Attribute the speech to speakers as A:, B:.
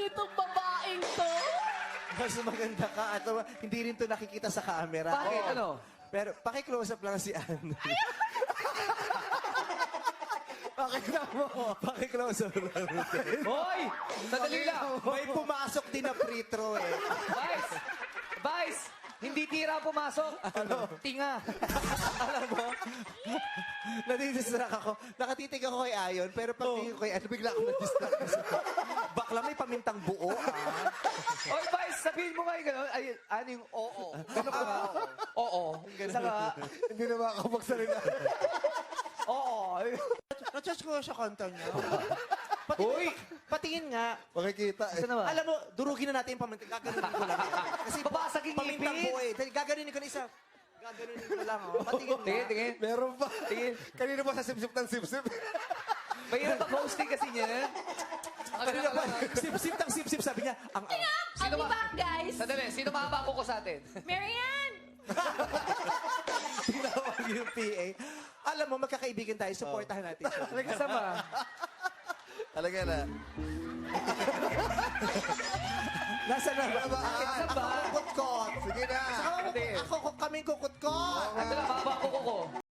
A: nitong babaeng to?
B: Mas maganda ka at hindi rin to nakikita sa camera.
C: Bakit?
B: Oo.
C: Ano?
B: Pero paki-close up lang si Ann. Pakita mo. Paki-close up lang.
C: Hoy! Sadali lang.
B: May pumasok din na free throw eh.
C: Vice! Vice! Hindi tira pumasok. Ano? Tinga.
B: Alam mo, nadidistract ako. Nakatitig ako kay Ayon, pero pagtingin ko kay Ann, bigla ako nadistract. Bakla, may pamintang buo.
C: Hoy, Vice! Sabihin mo ngayon gano'n. Ay, ano yung oo? Gano'n ka ba? Oo. Saka,
B: Hindi na makakapagsalita.
C: oo.
B: Na-charge ko sa kanta niya.
C: Uy!
B: Patingin nga.
D: Makikita eh.
C: Saan naman?
B: Alam mo, durugin na natin yung pamintang. Gaganunin ko lang yan. Kasi
C: Babasag yung
B: pamintang
C: ngipin.
B: buo eh. Dahil gaganunin ko na isa. Gaganunin ko lang. Oh. Patingin nga.
C: Tingin, tingin.
D: Meron pa.
C: Tingin.
D: Kanina pa sa sip-sip ng sip-sip.
C: Mahirap mag-hosting kasi niyan.
B: Kanina pa, sip-sip tang sip-sip, sabi niya, ang
A: I'll be back, guys.
C: Sandali, sino mahaba ko sa atin?
A: Marianne!
B: tinawag yung PA. Alam mo, magkakaibigan tayo, supportahan natin siya.
C: Nagkasama.
D: Talaga na.
B: Nasa na ba?
C: Saan ba?
B: Ako kukutkot.
D: Sige na.
B: Ako kaming kukutkot.
C: Ito lang, mahaba ko.